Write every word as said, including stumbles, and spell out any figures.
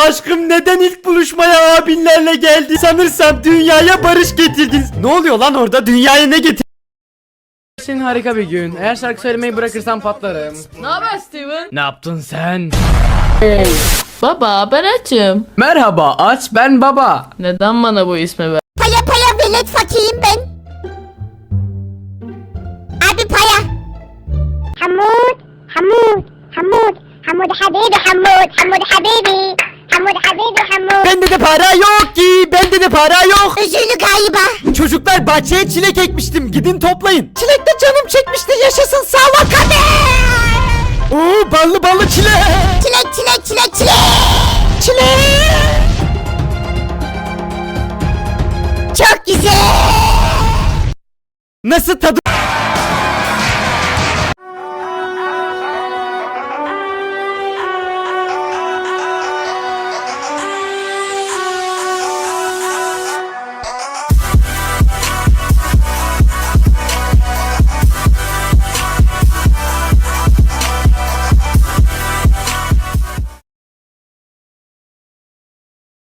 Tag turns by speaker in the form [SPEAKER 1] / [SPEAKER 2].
[SPEAKER 1] Aşkım neden ilk buluşmaya abinlerle geldi? Sanırsam dünyaya barış getirdiniz. Ne oluyor lan orada? Dünyaya ne getirdin? Senin harika bir gün. Eğer şarkı söylemeyi bırakırsan patlarım.
[SPEAKER 2] Ne haber Steven?
[SPEAKER 1] Ne yaptın sen?
[SPEAKER 2] Hey. Baba ben açım.
[SPEAKER 1] Merhaba aç ben baba.
[SPEAKER 2] Neden bana bu ismi ver?
[SPEAKER 3] Paya paya velet fakiriyim ben. Abi paya. Hamud, Hamud, Hamud, Hamud habibi Hamud, Hamud habibi. Hamud habibi Hamud.
[SPEAKER 1] Bende de para yok ki. Bende de para yok.
[SPEAKER 3] Üzüldü galiba.
[SPEAKER 1] Çocuklar bahçeye çilek ekmiştim. Gidin toplayın. Çilek de canım çekmişti. Yaşasın sağlık hadi. Oo ballı ballı çilek.
[SPEAKER 3] Çilek çilek çilek çilek.
[SPEAKER 1] Çilek.
[SPEAKER 3] Çok güzel.
[SPEAKER 1] Nasıl tadı?